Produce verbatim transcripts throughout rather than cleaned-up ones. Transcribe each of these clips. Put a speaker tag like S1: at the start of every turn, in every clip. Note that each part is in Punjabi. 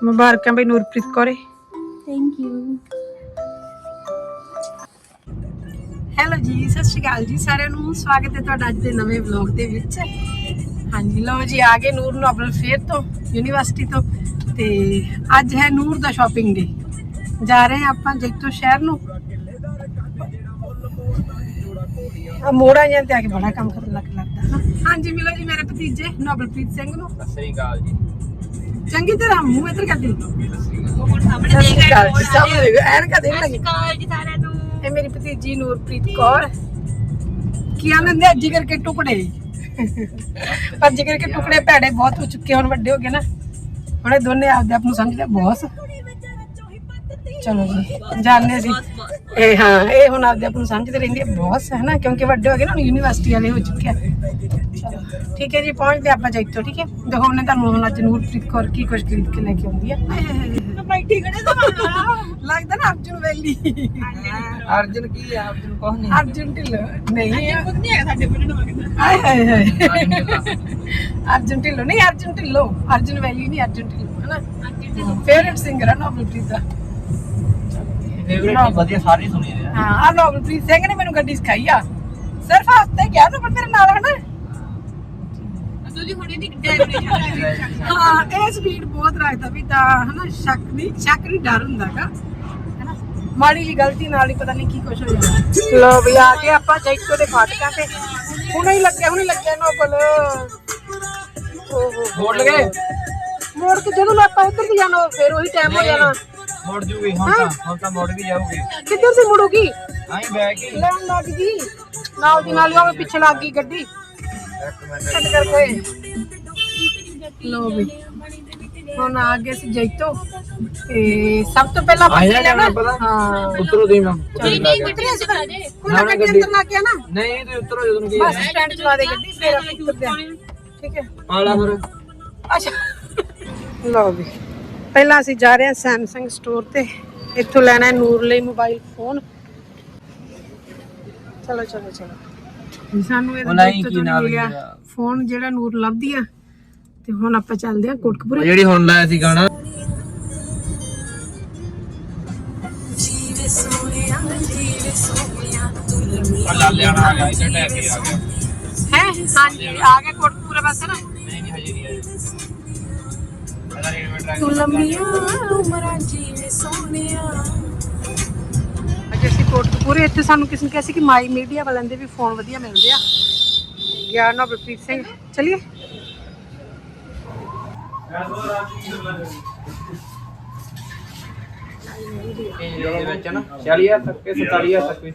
S1: ਮੁਬਾਰਕਾਂ ਬਈ ਨੂਰਪ੍ਰੀਤ ਕੌਰੇ।
S2: Thank you.
S1: ਹੈਲੋ ਜੀ, ਸਤਿ ਸ਼੍ਰੀ ਅਕਾਲ ਜੀ ਸਾਰਿਆਂ ਨੂੰ। ਸਵਾਗਤ ਹੈ ਤੁਹਾਡਾ ਅੱਜ ਦੇ ਨਵੇਂ ਵਲੌਗ ਦੇ ਵਿੱਚ। ਹਾਂਜੀ ਲਓ ਜੀ, ਆ ਗਏ ਨੂਰ ਨੋਬਲ ਫੇਅਰ ਤੋਂ, ਯੂਨੀਵਰਸਿਟੀ ਤੋਂ। ਤੇ ਅੱਜ ਹੈ ਨੂਰ ਦਾ ਸ਼ਾਪਿੰਗ ਡੇ। ਜਾ ਰਹੇ ਹਾਂ ਆਪਾਂ ਜੈਤੋ ਸ਼ਹਿਰ ਨੂੰ। ਆ ਮੋੜਾ ਜਾਂ ਤੇ ਆ ਕੇ ਬੜਾ ਕੰਮ ਖਤਰਨਾਕ ਲੱਗਦਾ। ਹਾਂਜੀ ਮਿਲੋ ਜੀ ਮੇਰੇ ਭਤੀਜੇ ਨੋਬਲਪ੍ਰੀਤ ਸਿੰਘ ਨੂੰ।
S3: ਸਤਿ ਸ੍ਰੀ ਅਕਾਲ ਜੀ।
S1: ਚੰਗੀ ਤਰ੍ਹਾਂ ਮੂੰਹ ਇੱਧਰ ਕਰ ਦੇ।
S2: ਸਾਹਮਣੇ
S1: ਐਨਕਾਂ ਦੇਖ ਲੱਗੀ। ਇਹ ਮੇਰੀ ਭਤੀਜੀ ਨੂਰਪ੍ਰੀਤ ਕੌਰ। ਕੀ ਆਨੰਦ ਹੈ ਜਿਗਰ ਕੇ ਟੁਕੜੇ। ਪਰ ਜਿਗਰ ਕੇ ਟੁਕੜੇ ਭੈੜੇ ਬਹੁਤ ਹੋ ਚੁੱਕੇ, ਹੁਣ ਵੱਡੇ ਹੋ ਗਏ ਨਾ, ਹੁਣ ਇਹ ਦੋਨੇ ਆਪਦੇ ਆਪ ਨੂੰ ਸਮਝਦੇ ਬੌਸ। ਚਲੋ ਜੀ ਜਾਣਦੇ ਅਸੀਂ ਇਹ। ਹਾਂ ਇਹ ਹੁਣ ਆਪਦੇ ਆਪ ਨੂੰ ਸਮਝਦੇ ਰਹਿੰਦੇ ਬੌਸ, ਹੈ ਨਾ, ਕਿਉਂਕਿ ਵੱਡੇ ਹੋ ਗਏ ਨਾ, ਹੁਣ ਯੂਨੀਵਰਸਿਟੀ ਵਾਲੇ ਹੋ ਚੁੱਕੇ ਆ। ਚਲੋ ਠੀਕ ਹੈ ਜੀ, ਪਹੁੰਚਦੇ ਆਪਾਂ ਜੈਤੋ। ਠੀਕ ਹੈ, ਦਿਖਾਉਣੇ ਤੁਹਾਨੂੰ ਹੁਣ ਅੱਜ ਨੂਰਪ੍ਰੀਤ ਕੌਰ ਕੀ ਕੁਝ ਖਰੀਦ ਕੇ ਲੈ ਕੇ ਆਉਂਦੀ ਆ। ਲੱਗਦਾ ਨਾ ਅਰਜੁਨ ਵੈਲੀ।
S3: ਅਰਜੁਨ ਕੀ ਹੈ? ਅਰਜੁਨ ਕੋਹ ਨਹੀਂ।
S1: ਅਰਜੁਨ ਢਿੱਲੋਂ ਨਹੀਂ ਹੈ ਸਾਡੇ ਪਿੰਡ ਨੂੰ। ਹਾਏ ਹਾਏ ਹਾਏ ਅਰਜੁਨ ਢਿੱਲੋਂ ਨਹੀਂ, ਅਰਜੁਨ ਢਿੱਲੋਂ। ਅਰਜੁਨ ਵੈਲੀ ਨਹੀਂ, ਅਰਜੁਨ ਢਿੱਲੋਂ, ਹੈ ਨਾ। ਫੇਵਰੇਟ ਸਿੰਗਰ ਹੈ ਨੋਬਲਪ੍ਰੀਤ ਦਾ।
S3: ਫੇਵਰੇਟ ਨਹੀਂ, ਵਧੀਆ ਸਾਰੇ ਸੁਣੀ ਰਹੇ ਆ।
S1: ਹਾਂ ਆ ਨੋਬਲਪ੍ਰੀਤ ਸਿੰਘ ਨੇ ਮੈਨੂੰ ਗੱਡੀ ਸਿਖਾਈ ਆ। ਸਿਰਫ ਹਫਤੇ ਗਿਆ ਨਾ, ਪਰ ਮੇਰੇ ਨਾਲ, ਹੈ ਨਾ।
S2: ਤੁਸੀਂ ਹੁਣੇ ਦੀ ਡਰਾਈਵਰ।
S1: ਹਾਂ ਇਹ ਸਪੀਡ ਬਹੁਤ ਰੱਖਦਾ ਵੀ ਤਾਂ, ਹੈ ਨਾ। ਸ਼ੱਕ ਨਹੀਂ, ਸ਼ੱਕ ਨਹੀਂ, ਡਰ ਹੁੰਦਾਗਾ, ਹੈ ਨਾ। ਮਾੜੀ ਜੀ ਗਲਤੀ ਨਾਲ ਹੀ ਪਤਾ ਨਹੀਂ ਕੀ ਕੁਝ ਹੋ ਜਾਂਦਾ। ਲੋ ਵੀ ਆ ਕੇ ਆਪਾਂ ਜੈਤੋ ਦੇ ਫਾਟਕਾਂ ਤੇ। ਹੁਣੇ ਹੀ ਲੱਗਿਆ ਹੁਣੇ ਲੱਗਿਆ ਨੋਬਲ। ਓਹੋ
S3: ਮੋੜ ਲਗੇ
S1: ਮੋੜ ਕੇ ਜਦੋਂ ਆਪਾਂ ਉੱਧਰ ਦੀ ਜਾਣਾ ਫਿਰ ਉਹੀ ਟਾਈਮ ਹੋ ਜਾਣਾ।
S3: ਮੋੜ ਜੂਗੀ ਹੁਣ ਤਾਂ, ਹੁਣ ਤਾਂ ਮੋੜ ਵੀ ਜਾਊਗੀ।
S1: ਕਿੱਧਰ ਸੀ ਮੁੜੂਗੀ?
S3: ਆਈ ਬੈਕ ਹੀ
S1: ਲੈਣ ਲੱਗ ਗਈ ਨਾਲ ਦੀ ਨਾਲ ਹੀ, ਉਹ ਪਿੱਛੇ ਲੱਗ ਗਈ ਗੱਡੀ।
S3: ਇੱਕ ਮਿੰਟ
S1: ਛੱਡ ਕਰਕੇ ਲੋ ਵੀ ਹੁਣ ਆ ਗਏ ਸੀ ਜੈਤੋ। ਤੇ ਸਭ ਤੋਂ ਪਹਿਲਾਂ ਆਪਾਂ ਲੈਣਾ। ਹਾਂ
S3: ਉਤਰੋ ਦੀ ਮੈਂ
S2: ਨਹੀਂ ਨਹੀਂ ਕਿੱਥੇ ਅਸੀਂ ਕਰਾ ਦੇ।
S1: ਕੋਈ ਨਾ ਗੱਡੀ ਅੰਦਰ ਲਾ ਕੇ ਆ ਨਾ।
S3: ਨਹੀਂ ਤੇ ਉਤਰੋ ਜਦੋਂ ਕੀ
S1: ਬੱਸ ਸਟੈਂਡ ਚਲਾ ਦੇ ਗੱਡੀ, ਫਿਰ ਆਪਾਂ ਉਤਰਦੇ ਆ। ਠੀਕ ਹੈ
S3: ਆਲਾ ਫਿਰ।
S1: ਅੱਛਾ ਲਓ ਵੀ ਪਹਿਲਾਂ ਅਸੀਂ ਜਾ ਰਹੇ ਹਾਂ ਸੈਮਸੰਗ ਸਟੋਰ ਤੇ। ਇੱਥੋਂ ਲੈਣਾ ਹੈ ਨੂਰ ਲਈ ਮੋਬਾਈਲ ਫੋਨ। ਚਲੋ ਚਲੋ ਚਲੋ ਸਾਨੂੰ ਇਹ ਮਿਲਿਆ ਫੋਨ ਜਿਹੜਾ ਨੂਰ ਲੱਭਦੀ ਆ। ਤੇ ਹੁਣ ਆਪਾਂ ਚੱਲਦੇ ਆ ਕੋਟਕਪੂਰੇ।
S3: ਜਿਹੜੀ ਹੁਣ ਲਾਇਆ ਸੀ ਗਾਣਾ। ਅੱਲਾ ਲਿਆਣਾ ਆ ਗਿਆ, ਇੱਥੇ ਟੈਕ ਕੇ ਆ ਗਿਆ
S1: ਹੈ। ਹਾਂਜੀ ਆ ਗਿਆ ਕੋਟਕਪੂਰੇ ਪਾਸੇ ਨਾ।
S3: ਨਹੀਂ ਨਹੀਂ ਹਜੇ ਨਹੀਂ ਆਇਆ।
S1: ਤੂੰ ਲੰਮੀਆਂ ਉਮਰਾਂ ਜੀਵੇ ਸੋਹਣਿਆ। ਅੱਜ ਅਸੀਂ ਕੋਟਕਪੂਰੇ। ਇੱਥੇ ਸਾਨੂੰ ਕਿਸੇ ਨੇ ਕਿਹਾ ਸੀ ਕਿ ਮਾਈ ਮੀਡੀਆ ਵਾਲਿਆਂ ਦੇ ਵੀ ਫੋਨ ਵਧੀਆ ਮਿਲਦੇ ਆ। ਗਿਆ ਨੋਬਲਪ੍ਰੀਤ ਸਿੰਘ। ਚਲਿਏ
S3: ਇਹਦੇ ਵਿੱਚ ਨਾ ਚਾਲੀ ਹਜ਼ਾਰ ਤੱਕ ਕੇ ਸਤਾਲੀ ਹਜ਼ਾਰ ਤੱਕ ਵੀ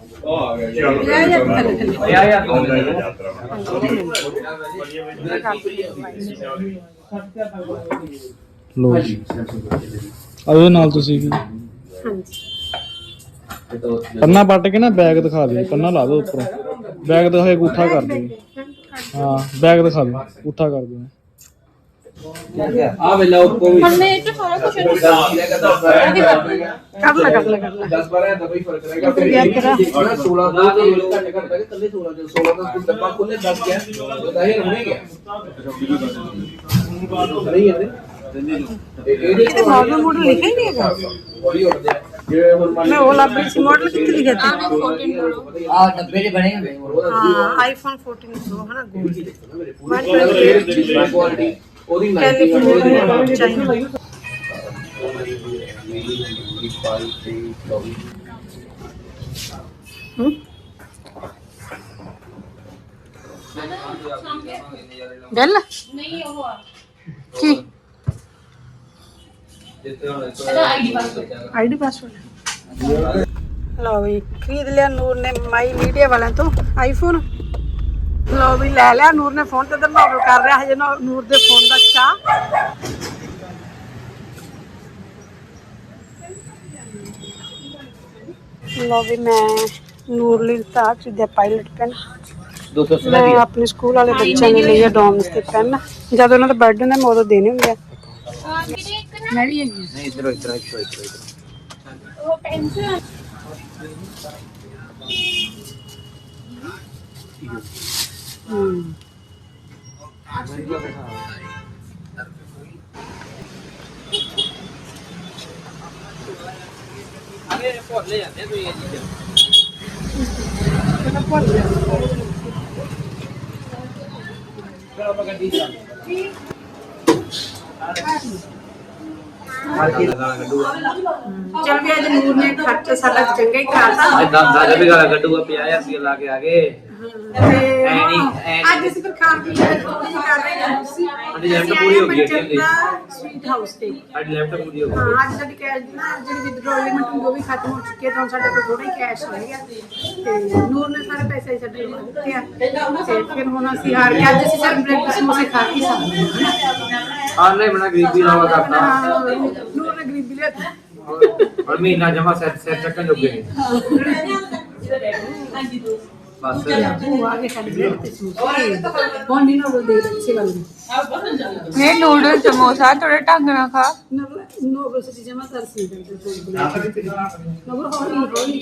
S4: ਲੋ ਜੀ ਉਹਦੇ ਨਾਲ ਤੁਸੀਂ ਵੀ
S1: ਹਾਂਜੀ
S4: ਪੰਨਾ ਪੱਟ ਕੇ ਨਾ ਬੈਗ ਦਿਖਾ ਦਿਓ। ਪੰਨਾ ਲਾ ਦਿਓ ਉੱਪਰੋਂ, ਬੈਗ ਦਿਖਾ ਕੇ ਅੰਗੂਠਾ ਕਰ ਦਿਓ। ਹਾਂ ਬੈਗ ਦਿਖਾ ਦਿਓ, ਅੰਗੂਠਾ ਕਰ ਦਿਓ।
S3: ਆ ਵੇਲਾ ਉੱਪਰ ਵੀ
S2: हमने तो सारा कुछ
S1: ਕਰ ਲੈ ਕਰ ਲੈ ਕਰ ਲੈ।
S3: दस बारह ਦਾ ਕੋਈ ਫਰਕ ਰਹੇਗਾ।
S1: ਫਿਰ ਯਾਦ ਕਰਾ
S3: सोलह ਦਾ ਘੰਟੇ ਘੰਟੇ ਕੱਲੇ सोलह ਦੇ सोलह ਦਾ ਕੁਝ ਡੱਬਾ ਖੋਲੇ ਦਸ ਗਿਆ ਜ਼ਾਹਿਰ ਹੋਣੇ ਗਿਆ ਨਹੀਂ ਹੈ ਇਹਦੇ
S1: ਇਹ ਮਾਡਲ ਮਾਡਲ ਲਿਖਿਆ ਹੀ ਨਹੀਂ ਹੈਗਾ।
S3: ਬੜੀ ਹੁੰਦੇ ਜਿਵੇਂ ਹੁਣ ਮੰਨ
S1: ਮੈਂ ਉਹ ਲੱਭ ਰਹੀ ਸੀ, ਮਾਡਲ ਕਿੱਥੇ ਲਿਖਿਆ ਸੀ?
S3: ਆ ਡੱਬੇ ਦੇ ਬਣੇ ਹੁੰਦੇ
S1: ਹਾਂ ਆਈਫੋਨ ਚੌਦਾਂ ਪ੍ਰੋ ਹੈ ਨਾ, ਗੋਲਡ
S3: ਕੁਆਲਿਟੀ ਉਹਦੀ
S1: ਕੈਲੀਫੋਰਨੀਆ ਚਾਈਨਾ। ਹੂੰ ਬੈਲ
S2: नहीं वो
S1: ਕੀ
S2: आईडी पासवर्ड
S1: ਆਈਡੀ ਪਾਸਵਰਡ। ਲਓ ਵੀ ਖਰੀਦ ਲਿਆ ਨੂਰ ਨੇ ਮਾਈ ਮੀਡੀਆ ਵਾਲਿਆਂ ਤੋਂ ਆਈਫੋਨ। ਲਓ ਵੀ ਲੈ ਲਿਆ ਨੂਰ ਨੇ ਫੋਨ। ਤੇ ਤਾਂ ਨੋਬਲ ਕਰ ਰਿਹਾ ਹਜੇ ਨਾ ਨੂਰ ਦੇ ਫੋਨ ਦਾ ਚਾਹ। ਲਓ ਵੀ ਮੈਂ ਨੂਰ ਲਈ ਤਾਂ ਚੀਜ਼ ਪਾਇਲਟ ਪੈਨ।
S3: दो सौ
S1: ਮੈਂ ਆਪਣੇ ਸਕੂਲ ਵਾਲੇ ਬੱਚਿਆਂ ਨੇ ਲਈ ਆ ਡੋਮਸ ਦੇ ਪੈਨ। ਜਦ ਉਹਨਾਂ ਦਾ ਬਰਥਡੇ ਹੁੰਦਾ ਮੈਂ ਉਦੋਂ ਦੇਣੇ ਹੁੰਦੇ ਆ। ਮੈਂ ਵੀ ਹੈਗੀ
S3: नहीं इधर इधर इधर इधर
S2: वो पेंसिल
S1: ਹੂੰ
S3: ਭੁੱਲ ਜਾਂਦੇ ਤੁਸੀਂ ਇਹ ਚੀਜ਼ਾਂ
S1: ਮੈਂ ਭੁੱਲ ਗਿਆ
S3: ਚਲੋ ਆਪਾਂ ਗੱਡੀ ਚੱਲਦੇ
S1: ਚਲ ਵੀ ਅੱਜ ਨੂਰ ਨੇ ਖਰਚਾ ਸਾਡਾ ਚੰਗਾ ਹੀ ਕਰਾਤਾ
S3: ਅੱਜ ਦਸ ਹਜ਼ਾਰ ਰੁਪਏ ਗਾਲਾ ਕੱਢੂਗਾ ਪੰਜਾਹ ਹਜ਼ਾਰ ਰੁਪਏ ਲਾ ਕੇ ਆ ਗਏ
S1: ਤੇ
S3: ਐ ਨਹੀਂ ਐ
S1: ਅੱਜ ਅਸੀਂ ਫਿਰ ਖਾਣ ਪੀਣ ਦੀ ਥੋੜੀ ਜਿਹੀ ਕਰ ਰਹੇ ਹਾਂ ਤੁਸੀਂ
S3: ਸਾਡੀ ਲਿਮਟ ਪੂਰੀ ਹੋ ਗਈ ਏਟੀਐਮ ਦੀ
S1: ਸਵੀਟ ਹਾਊਸ ਤੇ
S3: ਸਾਡੀ ਲਿਮਟ ਪੂਰੀ ਹੋ ਗਈ
S1: ਹਾਂ ਅੱਜ ਸਾਡੀ ਕੈਸ਼ ਦੀ ਨਾ ਜਿਹੜੀ ਵਿਦਡਰਾਅਲ ਲਿਮਿਟ ਹੁੰਦੀ ਉਹ ਵੀ ਖਤਮ ਹੋ ਚੁੱਕੀ ਹੈ ਤਾਂ ਹੁਣ ਸਾਡੇ ਕੋਲ ਥੋੜਾ ਹੀ ਕੈਸ਼ ਰਹਿ ਗਿਆ ਤੇ ਨੂਰ ਨੇ ਸਾਰੇ ਪੈਸੇ ਸਾਡੇ ਨੂੰ ਦਿੱਤੇ ਆ ਤੇ ਫਿਰ ਹੁਣ ਅਸੀਂ ਹਾਰ ਕੇ ਅੱਜ ਅਸੀਂ ਸਿਰਫ ਬ੍ਰੈਡ ਸਮੋਸੇ ਖਾ ਕੇ ਸਕਦੇ
S3: ਆਹ ਨਹੀਂ ਬਣਾ ਗਰੀਬੀ ਲਾਵਾ ਕਰਤਾ
S1: ਹਾਂ ਨੂਰ ਨੇ ਗਰੀਬੀ ਲਿਆਤੀ
S3: ਔਰ ਮਹੀਨਾ ਜਮਾ ਸੈਟ ਸੈਟ ਚੱਕਣ ਜੋਗੇ ਨੇ ਬਸ
S1: ਉਹ ਆ ਕੇ ਸਾਡੇ ਬ੍ਰੈਡ ਤੇ ਸਮੋਸੇ ਹੁਣ ਨਹੀਂ ਨਾ ਉਹ ਦੇ ਕਿਸੇ ਗੱਲ ਦੀ
S2: ਇਹ ਨੂਡਲ ਸਮੋਸਾ ਥੋੜਾ ਢੰਗ ਨਾਲ ਖਾ
S1: ਨਵਰ ਨੋਬਲ ਸੱਚੀ ਜਮਾ ਕਰ ਸੀ ਨਵਰ ਹੌਲੀ ਹੌਲੀ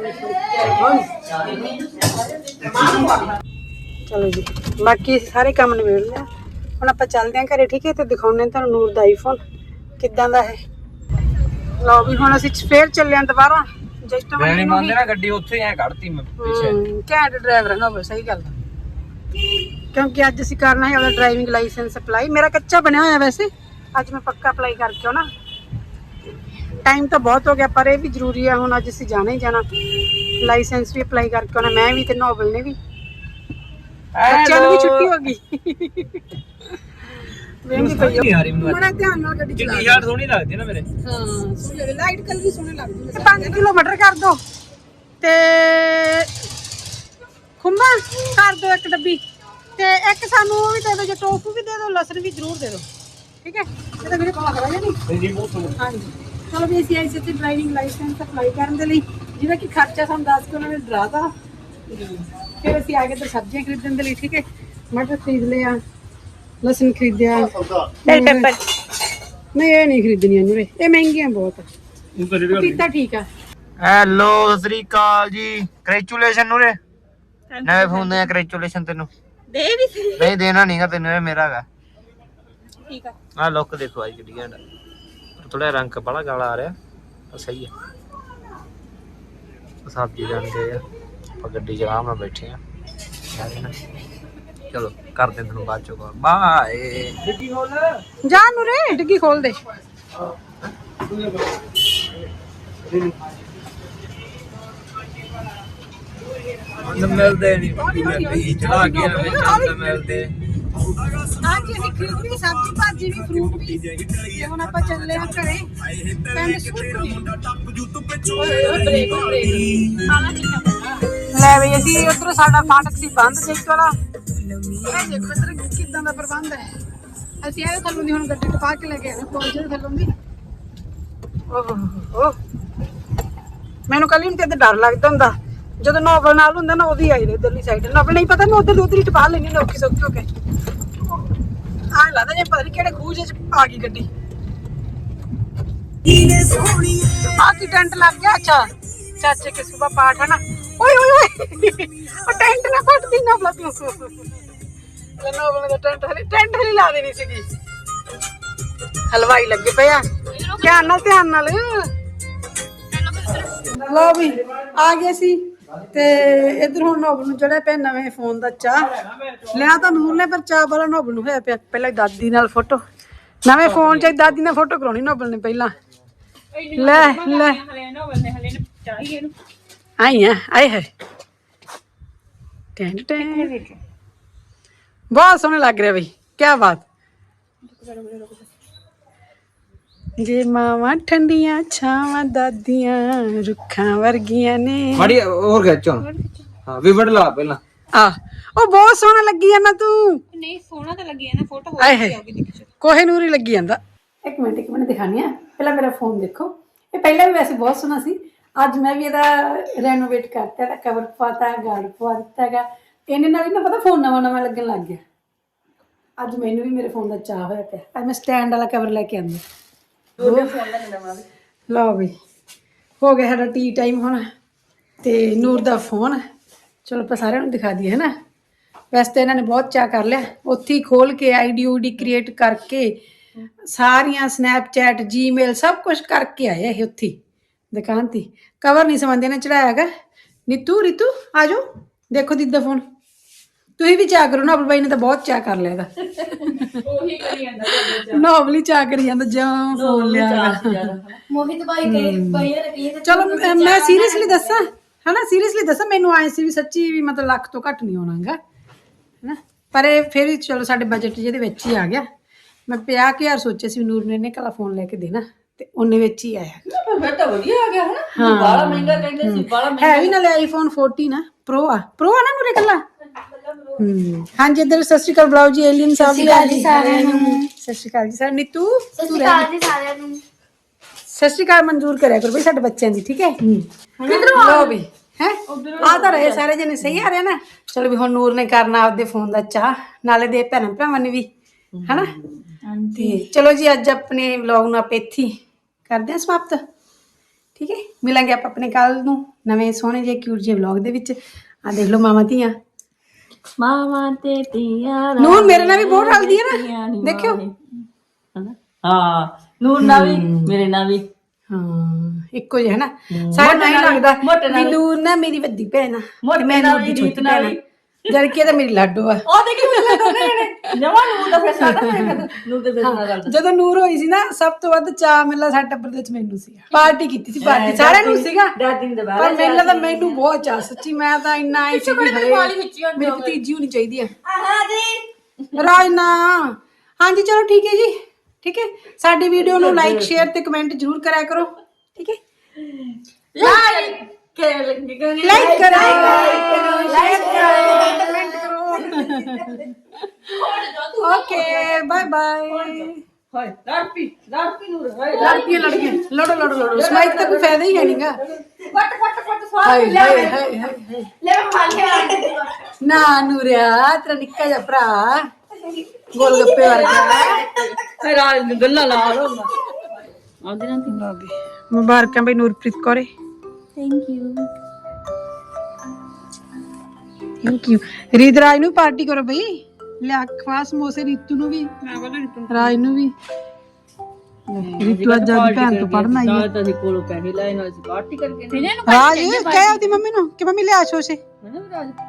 S1: ਚਲੋ ਜੀ ਬਾਕੀ ਸਾਰੇ ਕੰਮ ਨਿਬੇੜ ਲਿਆ ਹੁਣ ਆਪਾਂ ਚੱਲਦੇ ਆਂ ਘਰੇ ਠੀਕ ਹੈ ਤੇ ਦਿਖਾਉਣੇ ਤੁਹਾਨੂੰ ਨੂਰ ਦਾ ਆਈਫੋਨ ਕਿੱਦਾਂ ਦਾ ਹੈ ਲਓ ਵੀ ਹੁਣ ਅਸੀਂ ਫੇਰ ਚੱਲੇ ਆਂ ਦੁਬਾਰਾ ਜਸਟ
S3: ਮੈਂ ਨਹੀਂ ਮੰਨਦੇ ਨਾ ਗੱਡੀ ਉੱਥੇ ਐ ਕੱਢਤੀ ਮੈਂ ਪਿੱਛੇ
S1: ਘੈਂਟ ਡਰਾਈਵਰ ਨਾ ਹੋਵੇ ਸਹੀ ਗੱਲ ਕਿਉਂਕਿ ਅੱਜ ਅਸੀਂ ਕਰਨਾ ਹੈ ਆਪਣਾ ਡਰਾਈਵਿੰਗ ਲਾਇਸੈਂਸ ਅਪਲਾਈ ਮੇਰਾ ਕੱਚਾ ਬਣਿਆ ਹੋਇਆ ਵੈਸੇ ਅੱਜ ਮੈਂ ਪੱਕਾ ਅਪਲਾਈ ਕਰਕੇ ਆਉਣਾ ਟਾਈਮ ਤਾਂ ਬਹੁਤ ਹੋ ਗਿਆ ਪਰ ਇਹ ਵੀ ਜ਼ਰੂਰੀ ਹੈ ਹੁਣ ਅੱਜ ਅਸੀਂ ਜਾਣਾ ਹੀ ਜਾਣਾ ਲਾਇਸੈਂਸ ਵੀ ਅਪਲਾਈ ਕਰਕੇ ਆਉਣਾ ਮੈਂ ਵੀ ਤੇ ਨੋਬਲ ਨੇ ਵੀ ਬੱਚਿਆਂ ਨੂੰ ਵੀ ਛੁੱਟੀ ਹੋ ਗਈ ਵੇਂਗੀ ਪਈ ਬੜਾ ਧਿਆਨ ਨਾਲ ਗੱਡੀ ਚਲਾ
S3: ਟੀ-ਸ਼ਰਟ ਸੋਹਣੀ ਲੱਗਦੀ ਨਾ ਮੇਰੇ
S1: ਹਾਂ ਸੋਹਣੀ ਲਾਈਟ ਕਲਰ ਵੀ ਸੋਹਣੇ ਲੱਗਦੇ ਨੇ ਪੰਜ ਕਿਲੋਮੀਟਰ ਕਰ ਦੋ ਤੇ ਖੁੰਬਾ ਕਰ ਦੋ ਇੱਕ ਡੱਬੀ ਤੇ ਇੱਕ ਸਾਨੂੰ ਉਹ ਵੀ ਦੇ ਦਿਓ ਜੇ ਟੋਫੂ ਵੀ ਦੇ ਦਿਓ ਲਸਣ ਵੀ ਜ਼ਰੂਰ ਦੇ ਦਿਓ ਠੀਕ ਹੈ ਇਹ ਤਾਂ ਮੇਰੇ ਕੋਲ ਖੜਾ ਹੈ ਨਹੀਂ
S3: ਜੀ ਬਹੁਤ ਸੋਹਣੀ
S1: ਹਾਂਜੀ ਚਲੋ ਵੀ ਅਸੀਂ ਆਏ ਸੀ ਤੇ ਡਰਾਈਵਿੰਗ ਲਾਇਸੈਂਸ ਅਪਲਾਈ ਕਰਨ ਦੇ ਲਈ ਜਿਹਦਾ ਕਿ ਖਰਚਾ ਸਾਨੂੰ ਦੱਸ ਕੇ ਉਹਨਾਂ ਨੇ ਡਰਾਤਾ ਫਿਰ ਅਸੀਂ ਆ ਗਏ ਤੇ ਸਬਜ਼ੀਆਂ ਖਰੀਦਣ ਦੇ ਲਈ ਠੀਕ ਹੈ ਮਟਰ ਖਰੀਦ ਲਿਆ ਲਸਣ ਖਰੀਦਿਆ
S2: ਬੈਲ ਪੇਪਰ
S1: ਨਹੀਂ ਇਹ ਨਹੀਂ ਖਰੀਦਣੀਆਂ ਨੂਰੇ ਇਹ ਮਹਿੰਗੀਆਂ ਬਹੁਤ ਪਪੀਤਾ ਠੀਕ ਆ
S3: ਹੈਲੋ ਸਤਿ ਸ੍ਰੀ ਅਕਾਲ ਜੀ ਕੰਗ੍ਰੈਚੁਲੇਸ਼ਨ ਨੂਰੇ ਨਵੇਂ ਫੋਨ ਦੇ ਕੰਗ੍ਰੈਚੁਲੇਸ਼ਨ ਤੈਨੂੰ
S2: ਦੇ ਵੀ ਸੀ
S3: ਨਹੀਂ ਦੇਣਾ ਨਹੀਂਗਾ ਤੈਨੂੰ ਇਹ ਮੇਰਾ ਹੈਗਾ
S2: ਠੀਕ ਆ
S3: ਆ ਲੁੱਕ ਦੇਖੋ ਅੱਜ ਕਿੱਡੀ ਘੈਂਟ ਥੋੜਾ ਰੰਗ ਬੜਾ ਗਾਲਾ ਆ ਰਿਹਾ ਉਹ ਸਹੀ ਹੈ ਸਬਜ਼ੀ ਜਾਂਦੇ ਆ ਆਪਾਂ ਗੱਡੀ 'ਚ ਆਰਾਮ ਨਾਲ ਬੈਠੇ ਆ ਚਲੋ ਕਰਦੇ ਤੈਨੂੰ ਬਾਅਦ ਚੋਂ ਕਾਲ ਬਾਏ ਡਿੱਗੀ ਖੋਲ
S1: ਜਾ ਨੂਰੇ ਡਿੱਗੀ ਖੋਲ ਦੇ
S3: ਮਿਲਦੇ ਨਹੀਂ ਚੜਾ ਕੇ ਵਿੱਚ ਮਿਲਦੇ
S1: ਹਾਂਜੀ ਅਸੀਂ ਖਰੀਦੀ ਸਬਜ਼ੀ ਭਾਜੀ ਵੀ ਫਰੂਟ ਵੀ ਤੇ ਹੁਣ ਆਪਾਂ ਚੱਲੇ ਆ ਘਰੇ ਪਿੰਡ ਸੁਖਰੀ ਲੈ ਬਈ ਅਸੀਂ ਉਧਰ ਸਾਡਾ ਫਾਟਕ ਸੀ ਬੰਦ ਜੈਤ ਵਾਲਾ ਇਹ ਦੇਖੋ ਇਧਰ ਕਿਦਾਂ ਦਾ ਪ੍ਰਬੰਧ ਹੈ ਅਸੀਂ ਆਏ ਥੱਲੋਂ ਦੀ ਹੁਣ ਗੱਡੀ ਟਪਾ ਕੇ ਲੈ ਕੇ ਆਏ ਪਹੁੰਚੇ ਥੱਲੋਂ ਦੀ ਓਹ ਮੈਨੂੰ ਕੱਲ ਨੂੰ ਤੇ ਡਰ ਲੱਗਦਾ ਹੁੰਦਾ ਜਦੋਂ ਨੋਬਲ ਨਾਲ ਹੁੰਦਾ ਨਾ ਉਹਦੀ ਆਈ ਇਧਰਲੀ ਸਾਈਡ ਨੋਬਲ ਨਹੀਂ ਪਤਾ ਮੈਂ ਉਧਰ ਉਧਰ ਹੀ ਟਪਾ ਲੈਣੀ ਨਾ ਔਖੀ ਸੌਖੀ ਹੋ ਕੇ ਆਹ ਲੱਗਦਾ ਜੇ ਪਤਾ ਨਹੀਂ ਕਿਹੜੇ ਖੂਹ ਚ ਆ ਗਈ ਗੱਡੀ ਆ ਕੀ ਟੈਂਟ ਲੱਗ ਗਿਆ ਅੱਛਾ ਚਾਚੇ ਕੇ ਸੁਬਾ ਪਾਠ ਹੈ ਨਾ ਓਏ ਓਏ ਓਏ ਉਹ ਟੈਂਟ ਨਾ ਫਟ ਦੀ ਨਾ ਬਲਾ ਤੂੰ ਨੋਬਲ ਦਾ ਟੈਂਟ ਹਲੇ ਟੈਂਟ ਹਲੇ ਲਾ ਦੇਣੀ ਸੀਗੀ ਹਲਵਾਈ ਲੱਗੇ ਪਏ ਆ ਧਿਆਨ ਨਾਲ ਧਿਆਨ ਨਾਲ ਲੋ ਵੀ ਆ ਗਏ ਸੀ ਤੇ ਇਧਰ ਹੁਣ ਨੋਬਲ ਨੂੰ ਚੜਿਆ ਪਿਆ ਨਵੇਂ ਫੋਨ ਦਾ ਚਾਹ ਲਿਆ ਤਾਂ ਨੂਰ ਨੇ ਪਰ ਚਾਹ ਵਾਲਾ ਨੋਬਲ ਨੂੰ ਹੋਇਆ ਪਿਆ ਪਹਿਲਾਂ ਦਾਦੀ ਨਾਲ ਫੋਟੋ ਨਵੇਂ ਫੋਨ 'ਚ ਦਾਦੀ ਨਾਲ ਫੋਟੋ ਕਰਾਉਣੀ ਨੋਬਲ ਨੇ ਪਹਿਲਾਂ ਲੈ ਲੈ
S2: ਹਲੇ ਨੋਬਲ ਨੇ ਹਲੇ ਚਾਹੀਏ ਇਹਨੂੰ
S1: ਆਈ ਆ ਆਏ ਹੈ ਟੈਂਟ ਟੈਂਟ ਬਹੁਤ ਸੋਹਣੇ ਲੱਗ ਰਿਹਾ ਬਈ ਕੀ ਬਾਤ ਜੇ ਮਾਵਾਂ ਠੰਡੀਆਂ ਛਾਵਾਂ ਦਾਦੀਆਂ ਰੁੱਖਾਂ ਵਰਗੀਆਂ ਨੇ
S3: ਮਾੜੀ ਹੋਰ ਖਿੱਚੋ ਹਾਂ ਵੀ ਵੜ ਲਾ ਪਹਿਲਾਂ
S1: ਆ ਉਹ ਬਹੁਤ ਸੋਹਣਾ ਲੱਗੀ ਜਾਂਦਾ ਤੂੰ
S2: ਨਹੀਂ ਸੋਹਣਾ ਤਾਂ ਲੱਗਿਆ ਨਾ ਫੋਟੋ
S1: ਆਏ ਹੈ ਕੋਹੇ ਨੂਰ ਹੀ ਲੱਗੀ ਜਾਂਦਾ ਇੱਕ ਮਿੰਟ ਇੱਕ ਮਿੰਟ ਦਿਖਾਣੀ ਆ ਪਹਿਲਾਂ ਮੇਰਾ ਫੋਨ ਦੇਖੋ ਇਹ ਪਹਿਲਾਂ ਵੀ ਵੈਸੇ ਬਹੁਤ ਸੋਹਣਾ ਸੀ ਅੱਜ ਮੈਂ ਵੀ ਇਹਦਾ ਰੈਨੋਵੇਟ ਕਰਤਾ ਇਹਦਾ ਕਵਰ ਪਵਾਤਾ ਗਾਰਡ ਪਵਾ ਦਿੱਤਾ ਹੈਗਾ ਇਹਨੇ ਨਾਲ ਹੀ ਨਾ ਪਤਾ ਫੋਨ ਨਵਾਂ ਨਵਾਂ ਲੱਗਣ ਲੱਗ ਗਿਆ ਅੱਜ ਮੈਨੂੰ ਵੀ ਮੇਰੇ ਫੋਨ ਦਾ ਚਾਹ ਹੋਇਆ ਪਿਆ ਅੱਜ ਮੈਂ ਸਟੈਂਡ ਵਾਲਾ ਕਵਰ ਲੈ ਕੇ ਆਂਦੀ ਲਓ ਵੀ ਹੋ ਗਿਆ ਸਾਡਾ ਟੀ ਟਾਈਮ ਹੁਣ ਤੇ ਨੂਰ ਦਾ ਫੋਨ ਚਲੋ ਆਪਾਂ ਸਾਰਿਆਂ ਨੂੰ ਦਿਖਾ ਦਈਏ ਹੈ ਨਾ ਵੈਸੇ ਤਾਂ ਇਹਨਾਂ ਨੇ ਬਹੁਤ ਚਾਅ ਕਰ ਲਿਆ ਉੱਥੇ ਹੀ ਖੋਲ ਕੇ ਆਈਡੀ ਊਡੀ ਕ੍ਰੀਏਟ ਕਰਕੇ ਸਾਰੀਆਂ ਸਨੈਪਚੈਟ ਜੀਮੇਲ ਸਭ ਕੁਝ ਕਰਕੇ ਆਏ ਇਹ ਉੱਥੇ ਦੁਕਾਨ ਤੇ ਕਵਰ ਨਹੀਂ ਸਮਝਦੇ ਨੇ ਚੜਾਇਆ ਹੈਗਾ। ਨੀਤੂ ਰੀਤੂ ਆ ਜਾਓ ਦੇਖੋ ਦੀਦੀ ਦਾ ਫੋਨ। ਤੁਸੀਂ ਵੀ ਚਾਹ ਕਰੋ ਨਾ, ਆਪਣੇ ਬਾਈ ਨੇ ਤਾਂ ਬਹੁਤ ਚਾਹ ਕਰ ਲਿਆ ਇਹਦਾ।
S2: ਉਹੀ ਕਰੀ ਜਾਂਦਾ
S1: ਨੋਬਲੀ ਚਾਹ ਕਰੀ ਜਾਂਦਾ ਜਾਂ ਫੋਨ ਲਿਆ।
S5: ਮੋਹਿਤ ਭਾਈ ਕਹੇ ਭਾਈ ਰਕੀਏ ਤੇ
S1: ਚਲੋ ਮੈਂ- ਮੈਂ ਸੀਰੀਅਸਲੀ ਦੱਸਾਂ ਹਨਾ, ਸੀਰੀਅਸਲੀ ਦੱਸਾਂ ਮੈਨੂੰ ਆਏ ਸੀ ਵੀ ਸੱਚੀ ਵੀ ਮਤਲਬ ਲੱਖ ਤੋਂ ਘੱਟ ਨਹੀਂ ਆਉਣਾਗਾ ਹਨਾ, ਪਰ ਇਹ ਫਿਰ ਵੀ ਚਲੋ ਸਾਡੇ ਬਜਟ ਜਿਹਦੇ ਵਿੱਚ ਹੀ ਆ ਗਿਆ। ਮੈਂ ਪੰਜਾਹ ਕੁ ਹਜ਼ਾਰ ਸੋਚਿਆ ਸੀ ਨੂਰ ਨੇ ਇਹਨੇ ਕਲਾ ਫੋਨ ਲੈ ਕੇ ਦੇਣਾ ਤੇ ਉਹਨੇ ਵਿੱਚ ਹੀ ਆਇਆ।
S2: ਫਿਰ ਤਾਂ ਵਧੀਆ ਆ ਗਿਆ ਹਨਾ। ਬਾਲਾ ਮਹਿੰਗਾ ਕਹਿੰਦੇ ਸੀ, ਬਾਲਾ
S1: ਹੈ ਵੀ ਨਾਲੇ ਆਈਫੋਨ ਚੌਦਾਂ ਨਾ ਪ੍ਰੋ ਆ ਪ੍ਰੋ ਆ ਨਾ ਨੂਰੇ ਕੱਲਾ। ਹੂੰ ਹਾਂਜੀ ਇੱਧਰ ਸਤਿ ਸ਼੍ਰੀ ਅਕਾਲ ਬੁਲਾਓ ਜੀ ਏਲੀਅਨ ਸਾਹਿਬ ਜੀ ਸਾਰਿਆਂ ਨੂੰ। ਸਤਿ ਸ਼੍ਰੀ ਅਕਾਲ ਜੀ ਸਰ ਨੀਤੂ
S5: ਸਤਿ ਸ਼੍ਰੀ ਅਕਾਲ ਜੀ ਸਾਰਿਆਂ ਨੂੰ।
S1: ਸਤਿ ਸ਼੍ਰੀ ਅਕਾਲ ਮਨਜ਼ੂਰ ਕਰਿਆ ਕਰੋ ਬਈ ਸਾਡੇ ਬੱਚਿਆਂ ਦੀ, ਠੀਕ ਹੈ। ਕਿਧਰੋਂ ਲਓ ਵੀ ਹੈ ਆ ਤਾਂ ਰਹੇ ਸਾਰੇ ਜਣੇ ਸਹੀ ਆ ਰਹੇ ਨਾ। ਚਲੋ ਵੀ ਹੁਣ ਨੂਰ ਨੇ ਕਰਨਾ ਆਪਦੇ ਫੋਨ ਦਾ ਚਾਹ, ਨਾਲੇ ਦੇ ਭੈਣਾਂ ਭਰਾਵਾਂ ਨੇ ਵੀ ਹਨਾ। ਤੇ ਚਲੋ ਜੀ ਅੱਜ ਆਪਣੇ ਵਲੌਗ ਨੂੰ ਆਪਾਂ ਇੱਥੇ ਹੀ ਕਰਦੇ ਹਾਂ ਸਮਾਪਤ, ਠੀਕ ਹੈ। ਮਿਲਾਂਗੇ ਆਪਾਂ ਆਪਣੇ ਕੱਲ ਨੂੰ ਨਵੇਂ ਸੋਹਣੇ ਜਿਹੇ ਕਿਊਟ ਜਿਹੇ ਵਲੌਗ ਦੇ ਵਿੱਚ। ਆ ਦੇਖ ਲਓ ਮਾਵਾਂ ਧੀਆਂ,
S2: ਮਾਵਾਂ ਤੇ ਧੀਆਂ
S1: ਨੂਰ ਮੇਰੇ ਨਾਲ ਵੀ ਬਹੁਤ ਰਲਦੀ ਹੈ ਨਾ, ਦੇਖਿਓ।
S2: ਹਾਂ ਨੂਰ ਨਾਲ ਵੀ ਮੇਰੇ ਨਾਲ ਵੀ
S1: ਹਾਂ ਇੱਕੋ ਜਿਹਾ ਹੈ ਨਾ, ਸਾਰਾ ਨਹੀਂ ਲੱਗਦਾ ਵੀ ਨੂਰ ਨਾ ਮੇਰੀ ਵੱਡੀ ਭੈਣ ਆ ਤੇ ਮੈਂ ਨੂਰ ਦੀ ਛੋਟੀ ਭੈਣ ਆ, ਜਦ ਕਿ ਇਹ ਤਾਂ ਮੇਰੀ ਲਾਡੋ ਆ।
S2: ਉਹ ਦੇਖੀ ਮਿਲਣਾ ਦੋਨੇ ਜਣੇ ਜਮਾ ਨੂਰ ਦਾ ਫੈਸਲਾ ਤਾਂ ਨੂਰ ਦੇ ਫੈਸਲਾ ਕਰਦਾ।
S1: ਜਦੋਂ ਨੂਰ ਹੋਈ ਸੀ ਨਾ ਸਭ ਤੋਂ ਵੱਧ ਚਾਅ ਮੇਲਾ ਸਾਡੇ ਟੱਬਰ ਦੇ ਵਿੱਚ ਮੈਨੂੰ ਸੀਗਾ। ਪਾਰਟੀ ਕੀਤੀ ਸੀ, ਪਾਰਟੀ ਸਾਰਿਆਂ ਨੂੰ ਸੀਗਾ,
S2: ਦਾਦੀ ਦੇ ਬਾਅਦ
S1: ਪਰ ਮੇਲਾ ਤਾਂ ਮੈਨੂੰ ਬਹੁਤ ਚਾਅ ਸੱਚੀ। ਮੈਂ ਤਾਂ ਇੰਨਾ ਆਈ ਸੀ ਵੀ ਹਏ ਮੇਰੀ ਭਤੀਜੀ ਹੋਣੀ ਚਾਹੀਦੀ ਆ।
S2: ਹਾਂ ਜੀ
S1: ਰਾਜਨਾ ਹਾਂਜੀ ਚਲੋ ਠੀਕ ਹੈ ਜੀ, ਠੀਕ ਹੈ। ਸਾਡੀ ਵੀਡੀਓ ਨੂੰ ਲਾਈਕ ਸ਼ੇਅਰ ਤੇ ਕਮੈਂਟ ਜ਼ਰੂਰ ਕਰਿਆ ਕਰੋ, ਠੀਕ ਹੈ।
S2: ਲਾਈਕ ਕਰ ਲੱਗੇ
S1: ਲਾਈਕ ਕਰੋ ਲਾਈਕ ਕਰੋ ਕਮੈਂਟ ਕਰੋ। Okay bye bye.
S2: ਹਾਏ ਲੜਪੀ ਲੜਪੀ ਨੂਰ ਹਾਏ
S1: ਲੜਕੀਆਂ ਲੜਕੀਆਂ ਲੜੋ ਲੜੋ ਲੜੋ, ਸਮਾਈਕ ਦਾ ਕੋਈ ਫਾਇਦਾ ਹੀ ਹੈ ਨਹੀਂਗਾ।
S2: ਕੱਟ ਕੱਟ ਕੱਟ ਸਵਾਲ
S1: ਹਾਏ ਹਾਏ ਹਾਏ ਹਾਏ
S5: ਲੈ ਮੈਂ ਖਾ ਲਿਆ।
S1: ਨਾ ਨੂਰਿਆ ਤੇਰਾ ਨਿੱਕਾ ਜਿਹਾ ਭਰਾ ਗੋਲ ਗੱਪੇ ਵਰਗਾ।
S2: ਹਾਏ ਰਾਜ ਗੱਲਾਂ ਲਾ ਲੋ ਆਉਂਦੇ ਨਾ ਤੀ
S1: ਮੁਬਾਰਕਾਂ ਬਈ ਨੂਰਪ੍ਰੀਤ ਕੌਰੇ।
S5: Thank you.
S1: Thank you. Reetraj ਨੂੰ ਪਾਰਟੀ ਕਰੋ ਬਈ, ਲਿਆ ਖਵਾ ਸਮੋਸੇ ਰੀਤੂ ਨੂੰ ਵੀ ਰਾਜ ਨੂੰ ਵੀ। ਰੀਤੂ ਅੱਜ ਆਪਣੀ ਭੈਣ ਤੋਂ ਪੜਨ ਆਈ ਹੈ।
S2: ਤਾਂ ਅਸੀਂ ਕੋਲੋਂ ਪੈਸੇ ਲਾਏ ਨਾਲ ਅਸੀਂ ਪਾਰਟੀ ਕਰਕੇ
S1: ਰਾਜ ਕਹਿ ਆਪਦੀ ਮੰਮੀ ਨੂੰ ਕਿ ਮੰਮੀ ਲਿਆ ਸ਼ੋਸ਼ੇ।
S2: ਹੈ ਨਾ ਰਾਜ